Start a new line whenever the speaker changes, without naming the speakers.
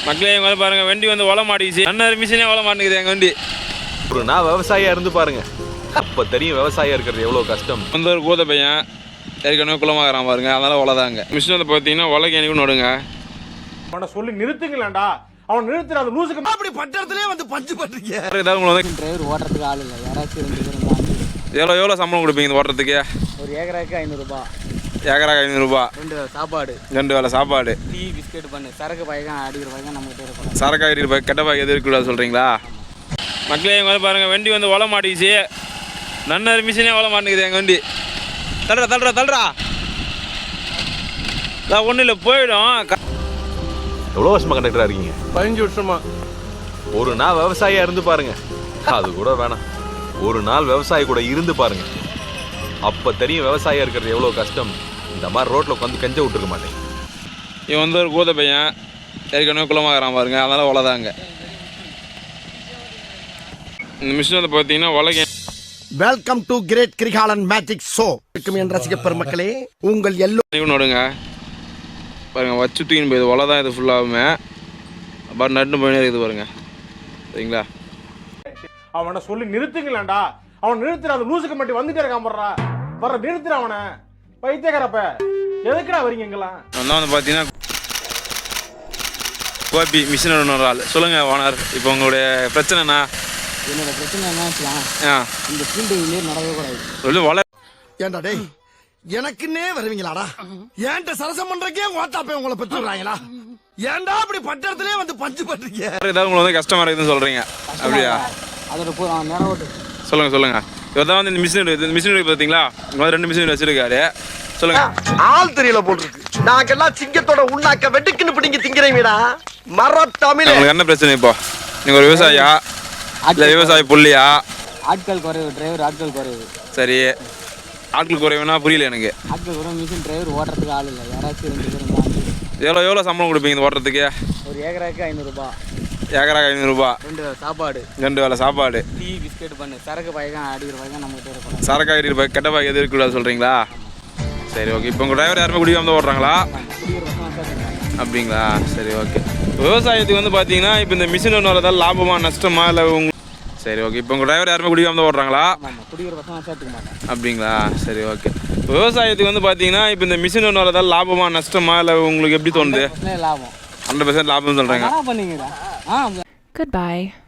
மக்களே எங்க வந்து பாருங்க, வண்டி வந்து ஓல மாட்டிக்கிச்சு. அண்ணன் மிஷினே ஓல மாட்டேங்குது எங்க வண்டி.
ஒரு நான் விவசாயியா இருந்து பாருங்க, அப்ப தெரியும் விவசாயியா இருக்கிறது எவ்வளவு கஷ்டம்.
வந்து ஒரு கூத பையன் ஏற்கனவே குளமாகறான் பாருங்க, அதனால ஓலதாங்க. மிஷின் வந்து பார்த்தீங்கன்னா ஓலைக்கு எனக்கு நடுங்க.
அவனை சொல்லி நிறுத்துங்களேன்டா, அவன் நிறுத்துற அந்த லூசுக்கு அப்படி பட்டறதுலயே வந்து பஞ்சு பண்றீங்க.
ஏதாவது உங்களுக்கு வந்து
டிரைவர் ஓட்டுறதுக்கு ஆள் இல்லை, யாராச்சும் 2 பேர் இருந்தாங்க.
எவ்வளோ சம்பளம் கொடுப்பீங்க இந்த ஓட்டுறதுக்கு?
ஒரு ஏக்கராக்கு 500 ரூபாய்.
ஏக்கராக்கு 500 ரூபாய்.
2 வேளை சாப்பாடு,
2 வேளை சாப்பாடு,
டீ பிஸ்கெட் பண்ணு, சரக்கு பாய்க்கான் அடிக்கிற பாய்க்கான் நம்ம கிட்டே இருப்போம்.
சரக்கா இருப்பா, கெட்ட பாய் எது இருக்கக்கூடாது சொல்கிறீங்களா? மக்களே எங்க வந்து பாருங்க, வண்டி வந்து ஓல மாட்டிக்கிச்சு. நன்னர் மிஷினே ஓல மாட்டேங்குது எங்கள் வண்டி. தள்ளுறா ஒன்றும் இல்லை, போயிடும்.
எவ்வளவு வருஷமா கண்டக்டரா இருக்கீங்க?
15 வருஷமா.
ஒரு நாள் விவசாயியா இருந்து பாருங்க, அது கூட வேணாம், ஒரு நாள் விவசாயி கூட இருந்து பாருங்க, அப்ப தெரியும் விவசாயியா இருக்கிறது எவ்வளவு கஷ்டம். இந்த மாதிரி ரோட்ல உட்காந்து கெஞ்ச விட்டுருக்க மாட்டேன்.
இவன் வந்து ஒரு கூத பையன் ஏற்கனவே குளமாகறான் பாருங்க, அதனால ஓலதாங்க. இந்த மிஷின் வந்து பார்த்தீங்கன்னா உலக.
Welcome to great Kirikalan magic show. என் ரசிக பெருமக்களே, உங்கள் எல்லோரும்
நடுங்க பாருங்க, வச்சு தூக்கின்னு போயிது ஒலை தான் இது ஃபுல்லாகுமே. அப்புறம் நட்டு போயினே இருக்குது பாருங்க, சரிங்களா?
அவனை சொல்லி நிறுத்துங்களேன்டா, அவன் நிறுத்துற அந்த லூசுக்கு மட்டும் வந்துட்டே இருக்கான் போடுறா. வர நிறுத்துற அவனை, பைத்தியக்காரப்ப எதுக்குடா வரீங்க எங்கெல்லாம்?
நான் வந்து பார்த்தீங்கன்னா கோபி மிஷின் ஒரு ஆள். சொல்லுங்கள் ஓனர், இப்போ உங்களுடைய பிரச்சனைண்ணா?
என்னோட பிரச்சனை என்ன வச்சுக்கலாம், இந்த ஃபீல்டு இங்கே நடக்கவே கூடாது.
சொல்லி ஒலை
ஏன்டா டேய், எனக்குன்னே வருவீங்களாடா? ஏன்ட்ட சரசம் பண்றக்கே ஓட்டாப்பே உங்களை பெற்றுறாங்களா? ஏன்டா அப்படி பட்டறதுலயே வந்து பஞ்சு பண்றீங்க?
ஏதாவது உங்களுக்கு வந்து கஷ்டமா இருக்குதுன்னு சொல்றீங்க, அப்படியா?
அதோட நேரம் ஓட்டு
சொல்லுங்க. இவர் தான் வந்து இந்த மிஷின் பார்த்தீங்களா? இங்கே வந்து 2 மிஷின் வச்சிருக்காரு. சொல்லுங்க.
ஆள் தெரியல போட்டுருக்கு. நாங்கெல்லாம் சிங்கத்தோட உண்ணாக்க வெட்டுக்குன்னு பிடிங்க திங்கிறீங்கடா மர தமிழ்.
உங்களுக்கு என்ன பிரச்சனை இப்போ? நீங்க ஒரு விவசாயியா இல்லை விவசாய புள்ளியா?
ஆட்கள் குறைவு, டிரைவர் ஆட்கள் குறைவு.
சரி, ஆட்கள் குறைவுனா புரியல எனக்கு.
ஆட்கள் குறைவு, மிஷின் டிரைவர் ஓட்டுறதுக்கு ஆள் இல்லை, யாராச்சும் 2 பேர் இருந்தாங்க.
எவ்வளோ சம்பளம் கொடுப்பீங்க இந்த ஓட்டுறதுக்கு?
ஒரு ஏக்கராக்கு 500 ரூபாய்.
ஏக்கராக்கு 500 ரூபாய்.
2 வேளை சாப்பாடு,
2 வேளை சாப்பாடு,
டீ பிஸ்கெட் பண்ணு, சரக்கு பாய்க்கான் அடிக்கிற பாய்க்கான் நம்ம கிட்டே இருப்போம்.
சரக்கா இருப்பா, கெட்ட பாய் எது இருக்கக்கூடாது சொல்கிறீங்களா? சரி, ஓகே. இப்போ உங்கள் டிரைவர் யாருமே குடிக்காம தான் ஓட்டுறாங்களா? அப்படிங்களா? சரி, ஓகே. விவசாயத்துக்கு வந்து பார்த்தீங்கன்னா இப்போ இந்த மிஷின் ஒன்று வரதால் லாபமா நஷ்டமா இல்லை சரி, ஓகே. இப்போ உங்கள் டிரைவர் யாருமே குடிக்காம தான் ஓட்டுறாங்களா? அப்படிங்களா? சரி, ஓகே. விவசாயத்துக்கு வந்து பார்த்தீங்கன்னா இப்போ இந்த மிஷின் ஒன்று வரதால் லாபமா நஷ்டமா இல்லை உங்களுக்கு எப்படி தோணுது? 100% லாபம்னு சொல்கிறேங்க.
Goodbye.